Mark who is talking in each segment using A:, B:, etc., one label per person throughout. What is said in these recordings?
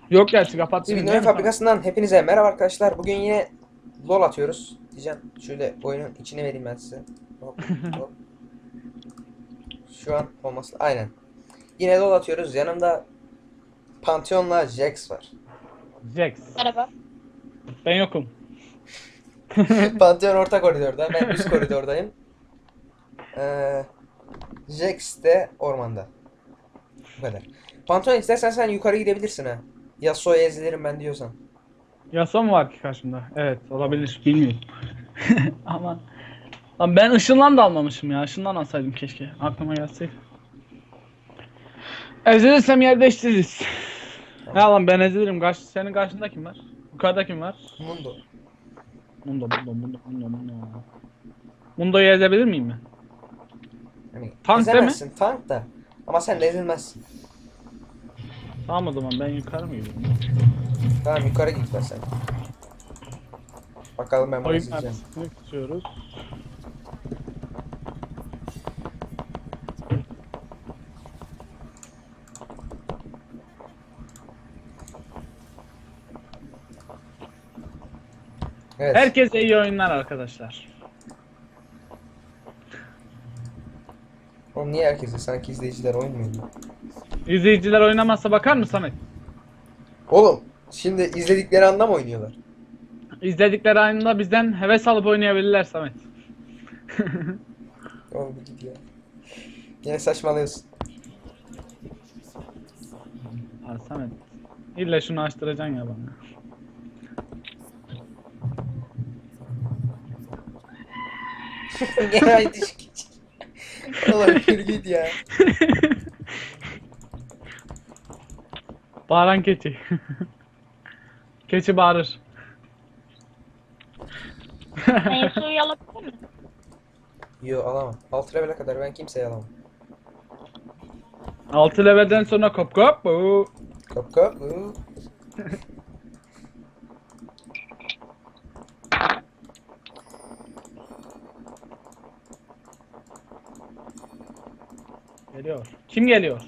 A: Yok gerçi kapatayım.
B: Spinner fabrikasından hepinize merhaba arkadaşlar. Bugün yine LoL atıyoruz. Diyeceğim şöyle oyunun içine vereyim ben size. Hop, hop. Şu an olması aynen. Yine LoL atıyoruz. Yanımda Pantheon'la Jax var.
A: Jax.
C: Merhaba.
A: Ben yokum.
B: Pantheon orta koridorda. Ben üst koridordayım. Jax de ormanda. Bu kadar. Pantheon istersen sen yukarı gidebilirsin ha. Yasuo'ya ezilirim ben diyorsan.
A: Yasuo mu var ki karşımda? Evet olabilir. Bilmiyorum. Ama lan ben ışınlan da almamışım ya. Işınlan alsaydım keşke. Aklıma gelseydi. Ezilirsem yer değiştiririz. Ya lan ben ezilirim. Senin karşında kim var? Yukarıda kim var?
B: Mundo.
A: Mundo. Mundo'yu ezebilir miyim ben?
B: Hani
A: Tank değil mi?
B: ezemezsin tank da. Ama sen de ezilmezsin.
A: Tamam o zaman ben yukarı mı gidiyorum?
B: Tamam yukarı git ben sen. Bakalım ben bunu
A: Oyun
B: ezileceğim.
A: kartını tutuyoruz.
B: Evet.
A: Herkese iyi oyunlar arkadaşlar.
B: Oğlum niye herkese? Sanki izleyiciler oyun mu oynuyor?
A: İzleyiciler oynamazsa bakar mı Samet?
B: Oğlum şimdi izledikleri anda mı oynuyorlar?
A: İzledikleri anında bizden heves alıp oynayabilirler Samet.
B: Oğlum bir git ya. Yine saçmalıyorsun.
A: Ha Samet. İlla şunu açtıracaksın ya bana.
B: Gene aynı iş geç. Oğlum bir git ya.
A: Bağıran keçi. Keçi bağırır.
C: Meyve suyu alabilir miyim?
B: Yo alamam. 6 level'e kadar ben kimseye alamam.
A: 6 levelden sonra kop kop.
B: Kap kap.
A: Geliyor. Kim geliyor?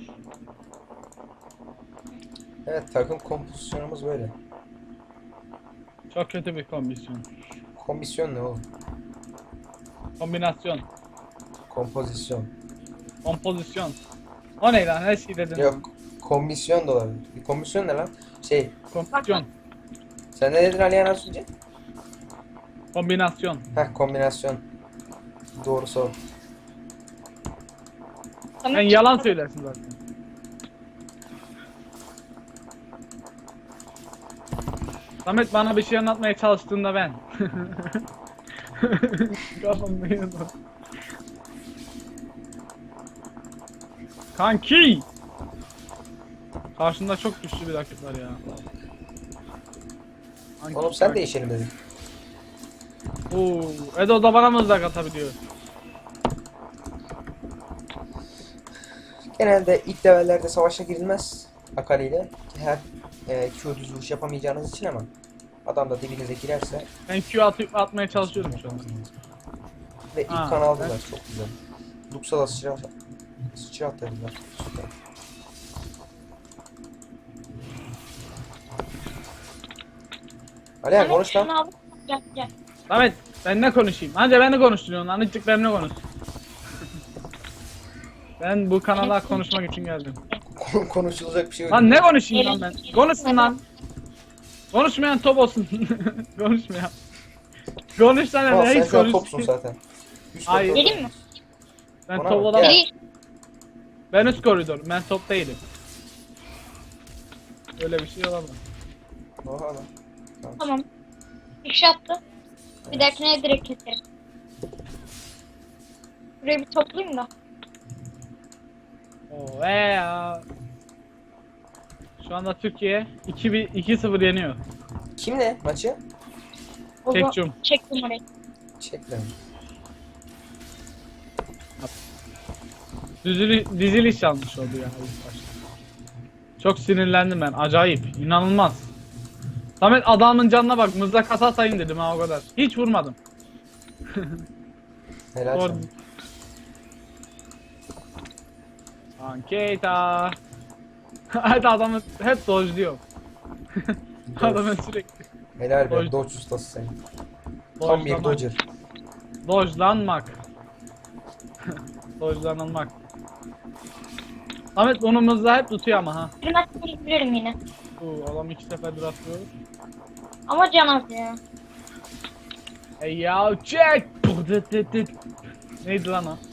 B: Evet takım kompozisyonumuz böyle.
A: Çok kötü bir kombinasyon.
B: Komisyon ne oğlum?
A: Kombinasyon.
B: Kompozisyon.
A: Kompozisyon. O ne lan? Her şey dedin.
B: Yok. Komisyon da olabilir. Bir komisyon ne lan? Şey.
A: Kombinasyon.
B: Sen ne dedin Alihan az önce?
A: Kombinasyon.
B: Heh kombinasyon. Doğrusu o.
A: Sen yalan söylersin zaten. Samet bana bir şey anlatmaya çalıştığında ben. Kafamda yandı. Kanki! Karşında çok güçlü bir rakip var ya. Kanki,
B: Oğlum sen
A: kanki.
B: değişelim dedik.
A: Oo, Edo da bana mızrak atabiliyor.
B: Genelde ilk levellerde savaşa girilmez Akali ile. Her Q düz vuruş yapamayacağınız için ama adam da dibinize girerse
A: Ben atmaya çalışıyorum şu an.
B: ve ilk
A: Ha,
B: kan aldılar
A: evet.
B: çok güzel. Luxa'da sıçra atladılar. Süper. Alihan konuş lan.
C: Şunu al. Gel.
A: Samet ben ne konuşayım? Hadi ben de konuşturuyorsun lan. Azıcık benimle konuş. Ben bu kanala konuşmak için geldim.
B: Konuşulacak bir şey yok.
A: Lan ne konuşayım lan ben? Konuşsun lan. Konuşmayan top olsun. Konuşmayan. Konuş lan
B: Tamam,
A: hele
B: sen
A: hiç
B: şu an
A: konuş.
B: topsun zaten. Üst
A: Hayır.
B: koridorda.
C: Geleyim mi?
A: Ben
B: Ona
A: top
B: bak,
A: olamam.
B: gel.
C: Gel.
A: Ben üst koridorum. Ben top değilim. Öyle bir şey olamaz.
B: Oha lan.
C: Tamam. Bir şey attı. Bir dahakine direkt keserim. Burayı bir toplayayım da.
A: Oo ya. Şu anda Türkiye 2-0 yeniyor.
B: Kimle maçı?
C: O zaman
A: Çekçum.
C: çektim orayı.
B: Çekle.
A: Diziliş yanlış oldu ya ilk başta. Çok sinirlendim ben. Acayip. İnanılmaz. Samet adamın canına bak. Mızrak hata sayın dedim ha o kadar. Hiç vurmadım.
B: Helal
A: Doğru.
B: sana.
A: Anketa. Hadi adamı hep dojluyor. Adamın sürekli.
B: Helal be.
A: Dodge.
B: Dodge ustası sen. Tam bir
A: Dodge'lamak.
B: Dodger.
A: Dodge'lanmak. Dodge'lanılmak. Ahmet onumuzda hep tutuyor ama ha.
C: Bir maçta gidebilirim yine.
A: Adam 2 seferdir atıyor.
C: Ama can az ya.
A: Hey ya çek. Neydi lan o?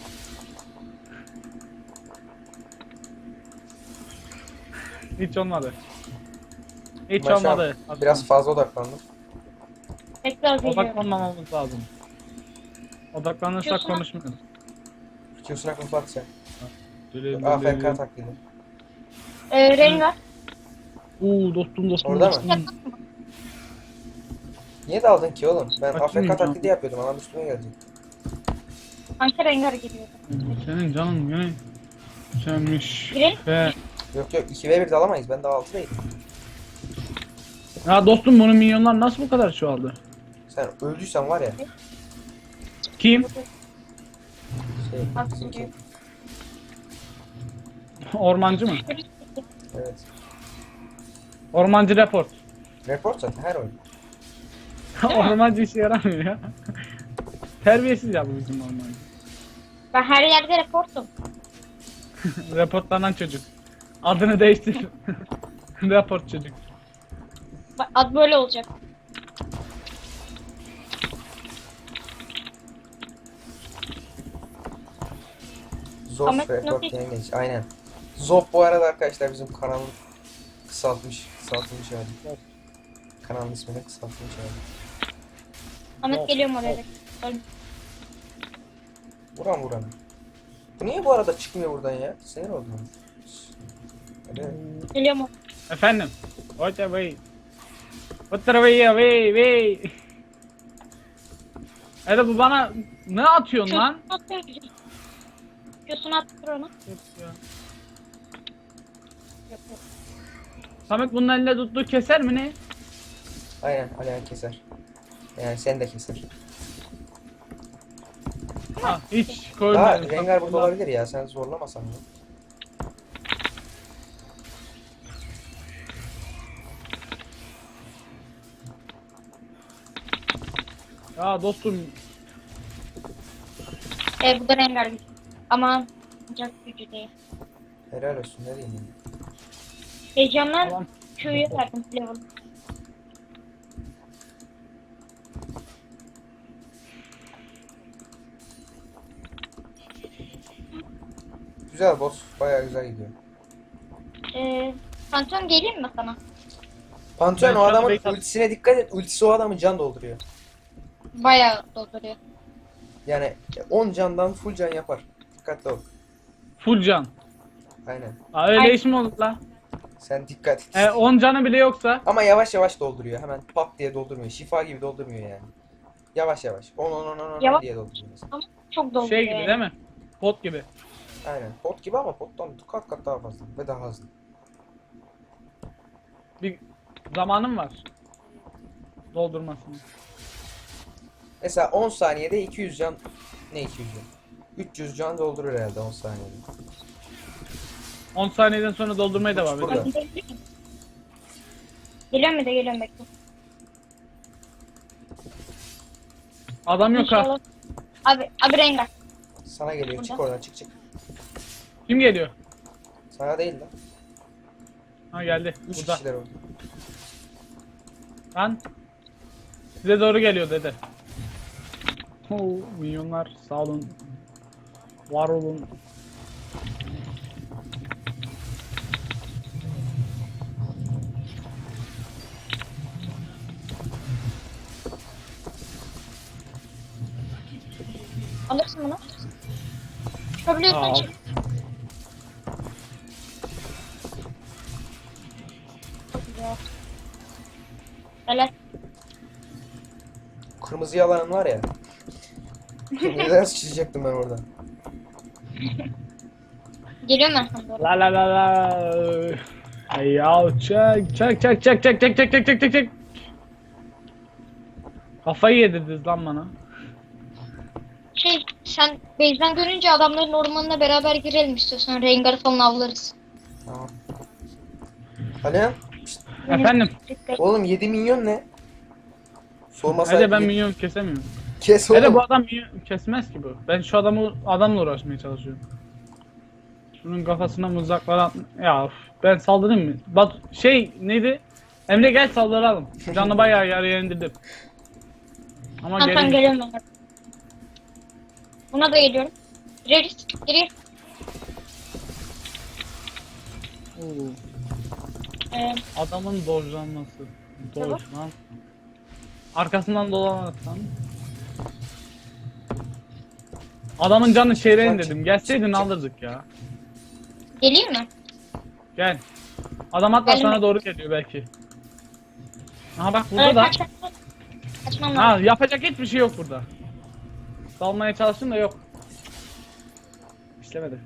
A: Hiç olmadı. Hiç
B: Ben şu an
A: olmadı.
B: biraz fazla odaklandım.
C: Tekrar geliyorum.
A: Odaklanmamamız lazım. Odaklanırsak
C: Diyorsun ha.
A: konuşmuyoruz.
B: Q'suna kapat sen.
A: Deli,
B: AFK taklidi.
C: Rengar.
A: Dostum
B: Orada mı?
A: dostum.
B: Niye daldın ki oğlum? Ben
A: Açmayayım
B: AFK
A: ya.
B: taklidi yapıyordum. Adam üstüme gelecek.
C: Sanki Rengar geliyordu.
A: Senin canın yine sevmiş.
C: Girelim.
A: Ve
B: Yok 2v1 de alamayız. Ben daha 6'dayım.
A: ya dostum bunun milyonlar nasıl bu kadar çoğaldı?
B: Sen öldüysen var ya.
A: Kim?
B: Şey,
C: Aslında.
B: bizimki.
A: Ormancı mı?
B: Evet.
A: Ormancı report.
B: Report zaten her oyun.
A: Ormancı işe yaramıyor ya. Terbiyesiz ya bu bizim ormancı.
C: Ben her yerde reportum.
A: Reportlanan çocuk. Adını değiştir. Report çocuk.
C: Bak, ad böyle olacak.
B: Zof
C: Ahmet
B: Report
C: nasıl-
B: yengeç. Aynen. Zof bu arada arkadaşlar bizim kanalın kısaltılmış hali. Kanalın ismini kısaltılmış hali.
C: Ahmet
A: Of,
C: geliyorum oraya.
B: Vuran. Bu niye bu arada çıkmıyor buradan ya? Sinir oldum. Hadi.
C: Geliyorum oraya.
A: Efendim. What away. What away. Hadi bu bana ne atıyorsun lan?
C: Q'sunu attır onu. Yok.
A: Samet bunun elinde tuttuğu keser mi ne?
B: Aynen Alihan keser. Yani sen de keser.
A: Ha, hiç
B: Daha
A: koymadım.
B: Rengar burada olabilir ya. Sen zorlamasan mı?
A: Ya dostum
C: Bu da Rengar gücü. Aman. Ancak gücü değil.
B: Helal olsun. Ne diyeyim?
C: Heyecandan
A: tamam.
C: Q'yu verdim level.
B: Güzel boss. Bayağı güzel gidiyor.
C: Pantheon geleyim mi sana?
B: Pantheon
A: Ben
B: o
A: şu an
B: adamın
A: bait at-
B: ultisine dikkat et. Ultisi o adamı can dolduruyor.
C: Bayağı dolduruyor.
B: Yani 10 candan full can yapar. Dikkatli ol.
A: Full can.
B: Aynen.
A: Ha, öyle
C: Ay.
A: iş mi olur la?
B: Sen dikkat et.
A: 10 canı bile yoksa
B: Ama yavaş yavaş dolduruyor. Hemen pat diye doldurmuyor. Şifa gibi doldurmuyor yani. Yavaş yavaş. 10
C: Yavaş.
B: diye dolduruyor mesela.
C: Ama çok dolduruyor.
A: şey gibi
C: yani.
A: değil mi? Pot gibi.
B: Aynen. Pot gibi ama pottan kat kat daha fazla ve daha hızlı.
A: Bir zamanım var. Doldurmasını.
B: Mesela 10 saniyede 200 can, ne 200 can? 300 can doldurur herhalde 10 saniyede.
A: 10 saniyeden sonra doldurmaya devam
B: Burada.
A: ediyor.
C: Geliyorum bir de geliyorum bekle.
A: Adam yok ha.
C: İnşallah. Abi Rengar.
B: Sana geliyor. Çık
C: Burada.
B: oradan çık.
A: Kim geliyor?
B: Sana değil lan.
A: Ha geldi.
B: 3
A: Burada.
B: kişiler oldu.
A: Lan. Size doğru geliyor dede. Milyonlar sağ olun. Var olun.
C: Alırsın bunu. Çıkabiliyorsan
A: Al.
C: çık. Çok güzel. Helal.
B: Kırmızı alanın var ya. Neden sıçrayacaktım ben orada?
C: Geliyorum ben sana doğru.
A: La la la la. Hey ya çek. Kafayı yedirdiniz lan bana.
C: Sen base'den görünce adamların ormanına beraber girelim istiyorsan. Rengar'ı falan avlarız.
B: Tamam. Alihan. Şşt,
A: Efendim?
B: Oğlum 7 milyon ne? Sormasa
A: Hele ben minyon kesemiyorum.
B: kes
A: Hele
B: oğlum.
A: bu adam minyon kesmez ki bu. Ben şu adamla uğraşmaya çalışıyorum. Şunun kafasına mızraklar at. Ya of, ben saldırayım mı? Bak şey neydi? Emre gel saldıralım. Canı bayağı yarıya indirdim. Ama
C: Tamam
A: geri
C: geliyorum ben. Buna da geliyorum. Gireriz. Giriyor.
A: Oo,
C: Ee,
A: adamın dojlanması.
C: Tamam.
A: Dojlan. Arkasından dolanırsan. Adamın canı şehre indirdim. Gelseydin alırdık ya.
C: geleyim mi?
A: Gel. Adam hatta
C: Gelme.
A: sana doğru geliyor belki. Aha bak
C: Ee,
A: burada da.
C: Kaçmam
A: Ha
C: lazım.
A: yapacak hiçbir şey yok burada. Dalmaya çalıştım da yok. İşlemedi.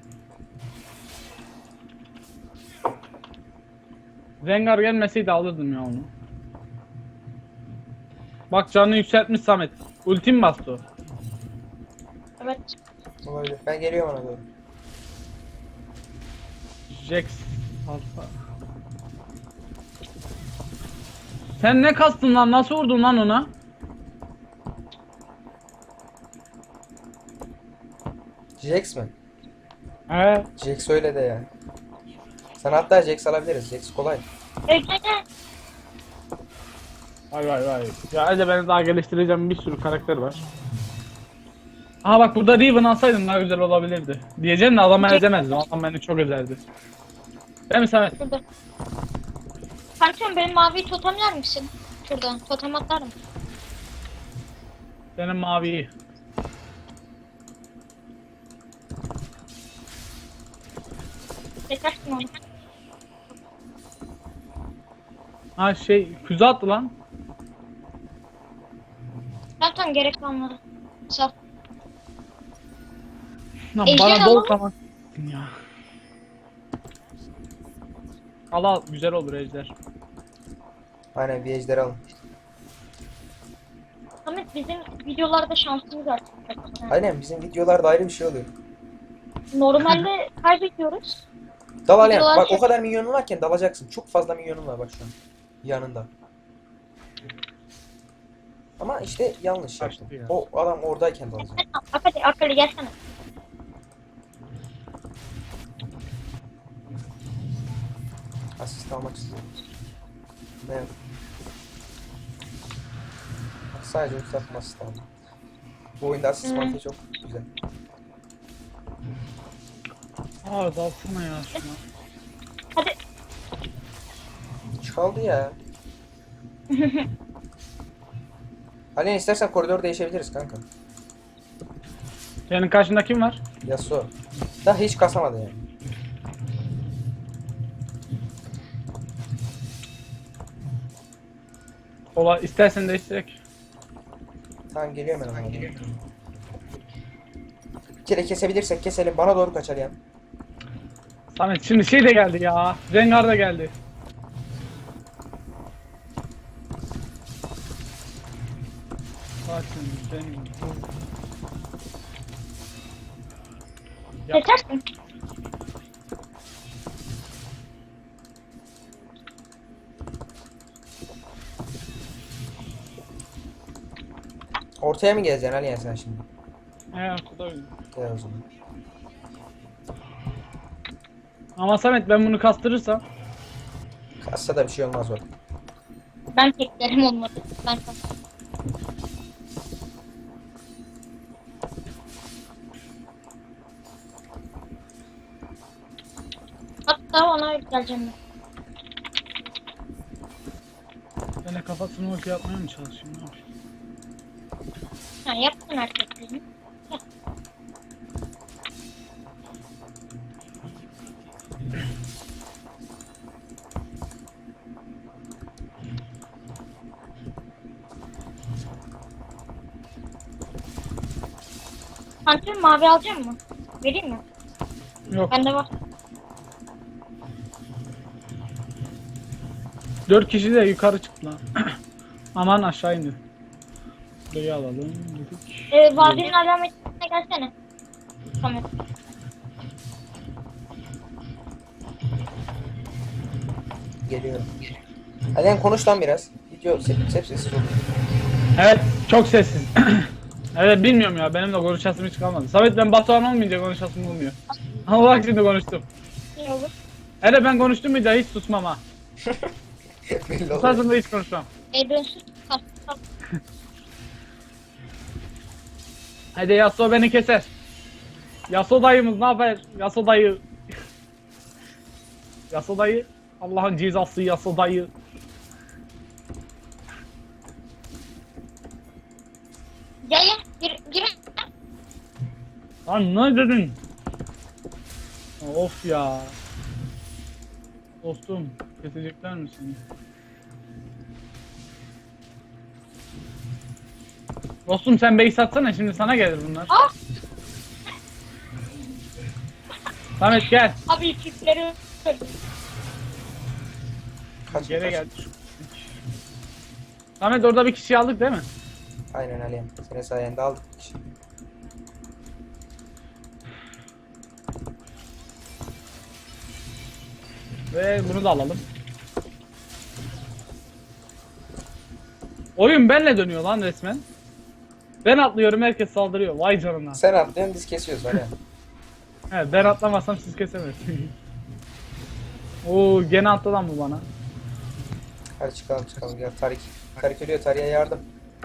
A: Rengar gelmeseydi alırdım ya onu. Bak canını yükseltmiş Samet. Ultim bastı o.
C: Evet.
B: Olabilir. Ben geliyorum ona doğru.
A: Jax alfa. Sen ne kastın lan? Nasıl vurdun lan ona?
B: Jax mi?
A: He.
B: Jax öyle de yani. Sana hatta Jax alabiliriz. Jax kolay.
C: Gel gel gel.
A: Vay vay vay. Ya hadi ben daha geliştireceğim bir sürü karakter var. Aha bak burada Riven alsaydım daha güzel olabilirdi. Diyeceğim de adamı ezemezdim. Adam beni çok ezerdi. Değil mi Samet?
C: Şurada. Kankam benim maviyi totemler misin? Şuradan totem atarım.
A: Benim maviyi.
C: Çekersin onu.
A: Ha şey füze attı lan.
C: Kankam gerek kalmadı. Sağ ol.
A: Lan
C: Ejder
A: bana
C: alalım.
A: bol kamak ya. Al al güzel olur ejder.
B: Aynen bir ejder alın.
C: Ahmet bizim videolarda şansımız artık.
B: Aynen bizim videolarda ayrı bir şey oluyor.
C: Normalde kaybediyoruz.
B: Dal Alem.
C: Videolar
B: Bak
C: şey-
B: o kadar milyonun varken dalacaksın. Çok fazla milyonun var bak şu an. Yanında. Ama işte yanlış yaptın.
A: Kaçtı ya.
B: O adam oradayken dalacak.
C: Akali gelsene.
B: Asist almak istiyorum. Ne yap? Bak sadece yükseltme asist aldım. Bu oyunda asist mantığı çok güzel.
A: Aa dalsana ya şuna.
C: Hadi.
B: Çaldı ya. Alien istersen koridor değişebiliriz kanka.
A: Senin karşında kim var?
B: Yasuo. Daha hiç kasamadı yani.
A: Ola istersen değiştirek.
B: Tamam geliyorum ben ona. Bir kere kesebilirsek keselim. Bana doğru kaçar yani.
A: Samet şimdi şey de geldi ya. Rengar da geldi. Bakın benim. Ya.
C: Kesersin.
B: Ortaya mı geleceksin Alien sen şimdi?
A: He ortada öyle.
B: Gel o zaman.
A: Ama Samet ben bunu kastırırsam
B: Kassa da bir şey olmaz bak.
C: Ben teklerim olmadı. Ben hatta ona geleceğim ben.
A: ben de kafasını ulti yapmaya mı çalışayım? Ne yapayım?
C: Ha, yaptın erkeklerini. Pantolon mavi alacak mı? Vereyim mi?
A: Yok.
C: Bende var.
A: 4 kişi de yukarı çıktı lan. Aman aşağı indi. Burayı alalım dedik.
C: Vadinin alametine gelsene. Tamam.
B: Geliyorum. Alihan konuş lan biraz. Video hep sessiz oldu.
A: Evet, çok sessiz. Evet, bilmiyorum ya, benim de konuşasım hiç kalmadı. Samet, ben Batuhan olmayınca konuşasım olmuyor. Ama bak şimdi konuştum.
C: Ne olur?
A: Hele ben konuştum bir daha hiç susmam ha.
B: Belli oluyor.
A: Susardım da hiç konuşmam.
C: Dönsün. Kalk.
A: Hadi Yasuo beni keser. Yasuo dayımız ne haber? Yasuo dayı. Yasuo dayı. Allah'ın cezası Yasuo dayı.
C: Gel. Gir.
A: Lan ne dedin? Of ya. Dostum, kesecekler mi seni? Dostum sen base atsana, şimdi sana gelir bunlar.
C: Ah!
A: Samet gel.
C: Abi ilkleri öldü.
B: Kaç,
A: Geri
B: kaç.
A: gel. Samet orada bir kişi aldık değil mi?
B: Aynen Alihan. Senin sayende aldık.
A: Ve bunu da alalım. Oyun benle dönüyor lan resmen. Ben atlıyorum, herkes saldırıyor. Vay canına.
B: Sen atlıyorsun biz kesiyoruz Alihan.
A: Evet, ben atlamasam siz kesemezsiniz. Oo, gene attı lan bu bana.
B: Hadi çıkalım gel Tarik. Tarik ölüyor, Tarik'e yardım.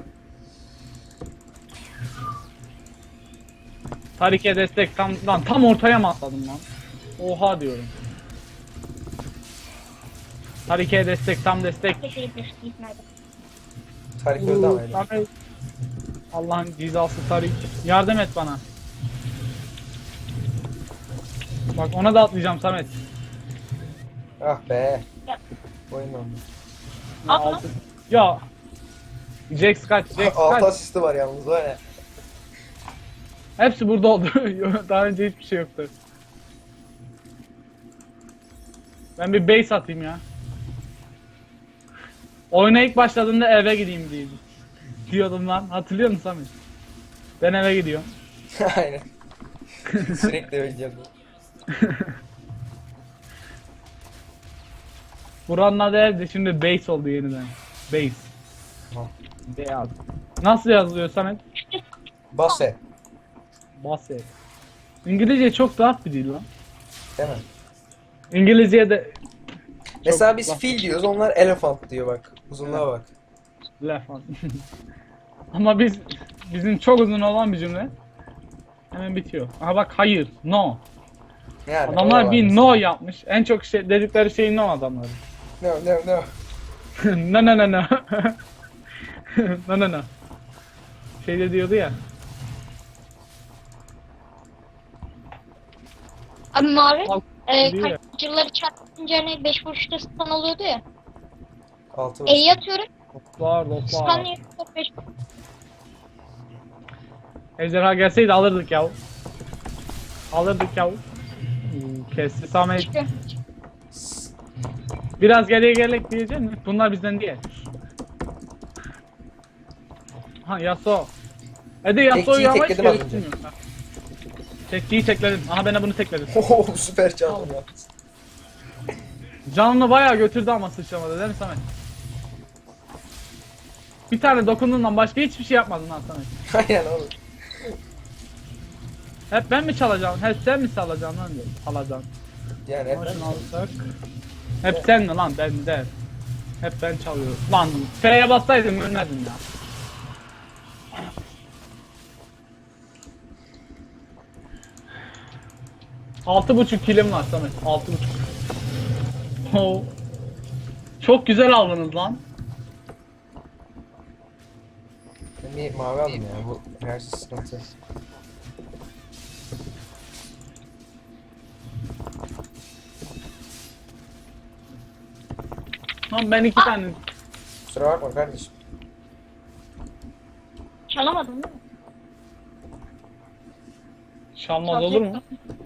A: Tarik'e destek tam ortaya mı atladım lan? Oha diyorum. Tarik'e destek, tam destek.
C: Teşekkür ederim.
B: Tarik öldü ama öyle.
A: Samet. Allah'ın cezası Tarik. Yardım et bana. Bak ona da atlayacağım Samet.
B: Ah be.
C: Ya.
B: Oyun oldu.
A: Ya,
C: Atla.
A: altı- ya. Jax kaç, Jax
B: 6
A: kaç.
B: asisti var yalnız var ya.
A: Hepsi burada oldu. Daha önce hiçbir şey yoktu. Ben bir base atayım ya. Oyuna ilk başladığında eve gideyim diyordum lan. Hatırlıyor musun Samet? Ben eve gidiyorum.
B: Aynen. Sürekli öleceğim.
A: Buranın adı evde, şimdi base oldu yeniden. Base.
B: Tamam.
A: Beyaz. Nasıl yazılıyor Samet?
B: Basse.
A: Basse. İngilizce çok rahat bir dil lan.
B: Değil mi?
A: İngilizce de
B: Mesela biz
A: rahat.
B: fil diyoruz, onlar elephant diyor bak. Uzunluğa bak.
A: Laf at. Ama bizim çok uzun olan bir cümle hemen bitiyor. Aha bak, hayır, no.
B: Yani
A: Adamlar
B: o da var
A: bir
B: mesela.
A: no yapmış. En çok şey dedikleri şey no adamlar.
B: No no no.
A: No no no no. No no no. Şey de diyordu ya.
C: Abi mavi.
A: Al, diyor ya.
C: Kaçıcıları çarpınca hani 5 vuruşta stun oluyordu ya.
B: 6 var.
C: E'yi atıyorum.
A: Loplar
C: Stun
A: loplar.
C: yiyor. 5
A: Ejderha gelseydi alırdık yav. Alırdık yav. Kesti Samet.
C: çıkıyor.
A: Biraz geriye gelek diyecek mi? Bunlar bizden değil. Ha Yasuo. Hadi Yasuo'yu
B: Tekçiyi
A: yavaş
B: tekledim az önce.
A: geliştirmiyorum. Tekçiyi tekledim. Aha, ben de bunu tekledim.
B: Oho süper çaldım ya.
A: Canını bayağı götürdü ama sıçramadı değil mi Samet? Bir tane dokunduğundan başka hiçbir şey yapmadın lan Samet.
B: Aynen oğlum.
A: Hep ben mi çalacağım? Hep sen mi çalacaksın lan diyor. Alacaksın.
B: Yani hep
A: Ama
B: ben
A: şunu alırsak. Hep sen mi lan? Ben de. Hep ben çalıyorum. Lan F'ye bassaydım ölmezdim ya. Altı buçuk kilim var Samet. 6,5. Oo. Çok güzel aldınız lan.
B: Ben bir mavi aldım ya, bu enerji sıkıntı.
A: Lan ben 2 tane
B: Kusura bakma kardeşim.
C: Çalamadım değil mi?
A: çalmaz olur mu?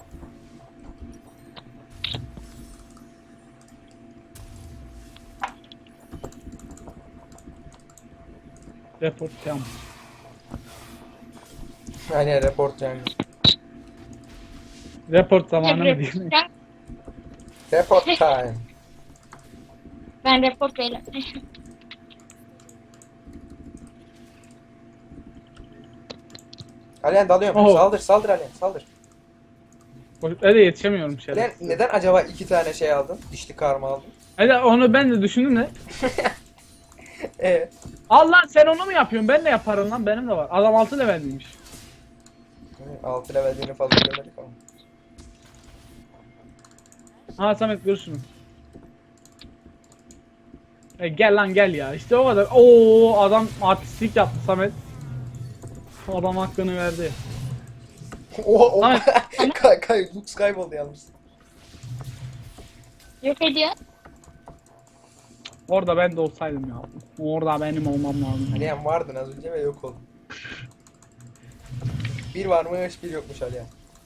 A: Report tamam.
B: Aynen report yani.
A: Report zamanı mı diyeyim?
B: Report time.
C: Ben report beyler.
B: Alihan dalıyorum.
A: Oo.
B: Saldır saldır Alihan saldır.
A: Öyle yetişemiyorum şeyler.
B: Alihan neden acaba 2 tane şey aldın? Dişli karma aldın.
A: Öyle onu ben de düşündüm de.
B: Evet.
A: Allah sen onu mu yapıyorsun? Ben de yaparım lan. Benim de var. Adam 6 level'liymiş.
B: 6 levellerini fazla görmedik ama.
A: Ha Samet görürsün. Gel lan gel ya. İşte o kadar. Oo adam artistlik yaptı Samet. Adam hakkını verdi.
B: O
A: Samet.
B: Lux kayboldu yalnız.
C: Yok ediyor.
A: Orada ben de olsaydım ya. Orada benim olmam lazım.
B: Alihan vardın az önce ve yok oldun. Bir varmış bir yokmuş Alihan.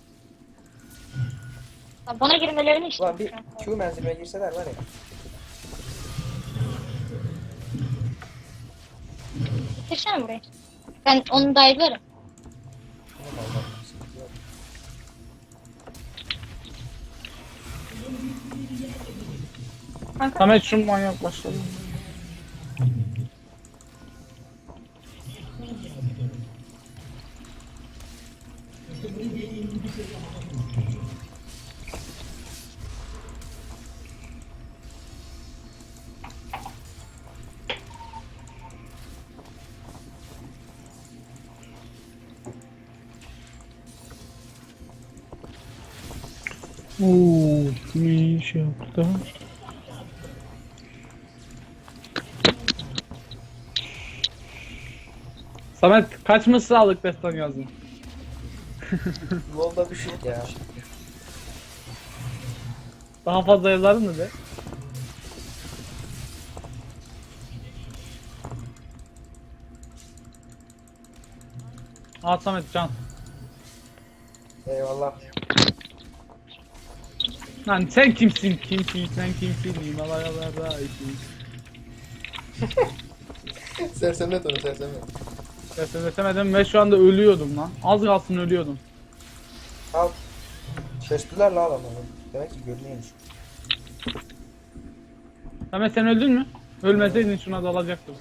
C: Ya bana girmelerini işte.
B: Ulan bir Q menziline girseler var ya.
C: Bitirsene burayı. Ben onu da ayırırım.
B: Allah Allah, sıkıntı yok.
C: Kanka.
A: Samet şu manyak başladı. Ooo, ne iş yaptı? Samet kaç mısralık destan yazdın?
B: Yolda düşük ya.
A: Daha fazla yazardın mı be? Al Samet can.
B: Eyvallah.
A: Lan sen kimsin? Kimsin? Sen kimsin? Himalayalarda isin.
B: Sersemlet onu sersemlet.
A: Seslemedim ve şu anda ölüyordum lan. Az kalsın ölüyordum.
B: Al. Şaştılar la adamlar. Demek ki görünüyormuş.
A: Samet sen öldün mü? Ölmeseydin şuna dalacaktım.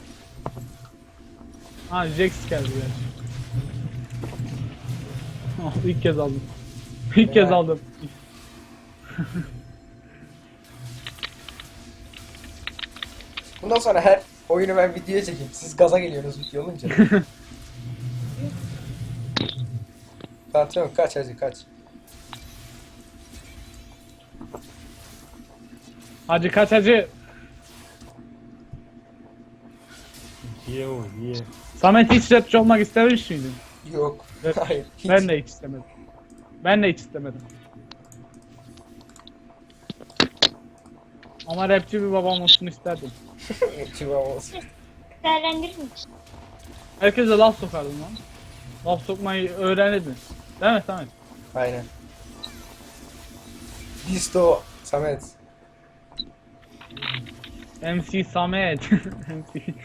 A: Ha Jax geldi gerçi. Oh, ilk kez aldım. İlk kez
B: Ya.
A: aldım.
B: Bundan sonra her oyunu ben videoya çekeyim. Siz gaza geliyorsunuz video olunca. Patron kaç hacı kaç.
A: Hacı kaç hacı.
D: Ye o ye.
A: Samet hiç rapçi olmak istemiş miydin?
B: Yok.
A: Evet.
B: Hayır. Hiç.
A: Ben de hiç istemedim. Ben de hiç istemedim. Ama rapçi bir babam olsun isterdim.
B: Çıvam olsun.
C: Değerlendirir misin?
A: Herkese laf sokardım lan. Laf sokmayı öğrenirdin. Değil mi Samet?
B: Aynen. Disto Samet.
A: MC Samet. MC.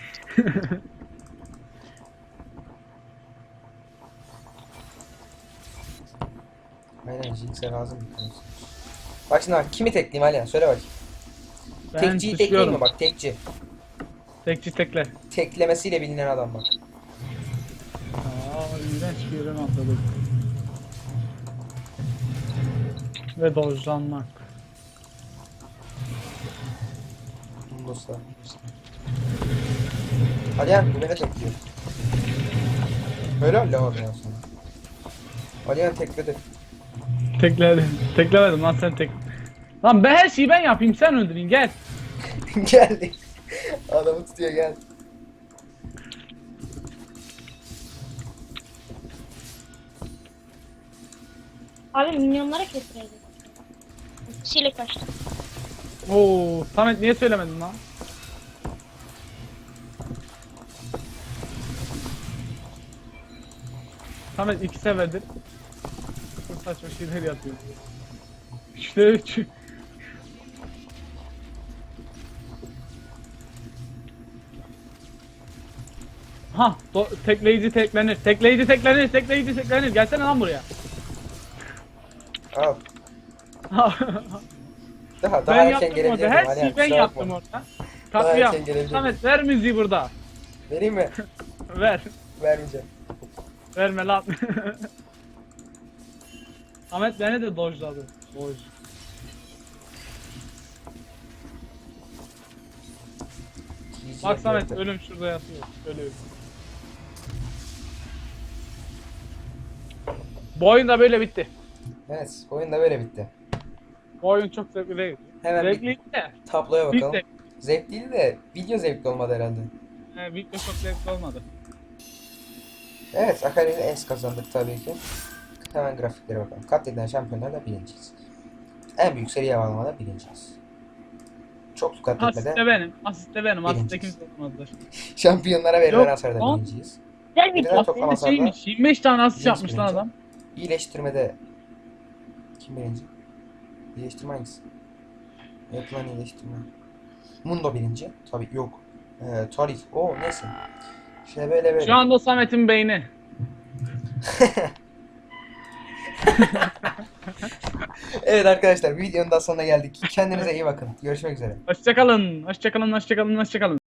B: Aynen Jinx'e lazım bir tanesi. Bak şimdi bak kimi tekleyeyim Alihan söyle bakayım.
A: Ben
B: Tekciyi tekleyeyim mi
A: suçluyorum.
B: bak tekci.
A: Tekçi tekle.
B: Teklemesiyle bilinen adam bak.
A: Aa, iğrenç bir yerden atladım. Ve dojlanmak.
B: Dostlar. Alihan bu beni tekliyor. Öyle öyle abi ya sonra. Alihan tekledi.
A: Tekledim. Teklemedim lan sen tek. Lan ben her şeyi ben yapayım sen öldüreyim gel.
B: Geldi. Adamı tutuyor gel.
C: Abi milyonlara kestireydik. Kişiyle kaçtı.
A: Oo, Samet niye söylemedin lan? Samet 2 seferdir çok saçma şeyler yapıyor. İşte 3. Ha, tekleyici teklenir. Tekleyici teklenir. Tekleyici teklenir. Gelsene lan buraya.
B: Al. Daha
A: Ben
B: erken
A: yaptım orada.
B: gelebilirdim
A: Her
B: Alihan
A: şeyi ben
B: kusura
A: yaptım
B: bakma.
A: orada. Katliam.
B: erken gelebilir.
A: Samet ver müziği burada.
B: Vereyim mi?
A: Ver.
B: Vermeyeceğim.
A: Verme lan. Samet beni de dojladı. Doj. Bak Samet ölüm şurada yatıyor. Ölüyor. Bu oyun da böyle bitti.
B: Evet, oyun da böyle bitti.
A: Bu oyun çok zevkli değil.
B: Hemen bir
A: Zevkliydi de.
B: tabloya
A: Bir
B: bakalım.
A: de.
B: Zevk değil de video zevkli olmadı herhalde.
A: Video çok zevkli olmadı.
B: Evet, Akali ile es kazandık tabii ki. Hemen grafiklere bakalım. Katledilen şampiyonlarla birinciyiz. En büyük seri havalamada birinciyiz. Çoklu katletmede
A: Asist de benim. Asist de benim. Asist de
B: Birinciyiz.
A: kimse olmadıdır.
B: şampiyonlara verilen
A: Yok,
B: hasarda
A: lan.
B: birinciyiz.
C: Güzel bir
B: Biriler
A: Bak
B: toplam
A: bir de
B: hasarda
A: şeymiş. 25 tane asist
B: birinci
A: yapmış lan
B: birinci.
A: adam.
B: İyileştirmede kim birinci? İyileştirme hangisi? Yapılan iyileştirme. Mundo birinci. Tabii yok. Tarif. O neyse. Şey böyle.
A: Şu anda Samet'in beyni.
B: Evet arkadaşlar videonun da sonuna geldik. Kendinize iyi bakın. Görüşmek üzere.
A: Hoşçakalın. Hoşçakalın. Hoşçakalın. Hoşçakalın.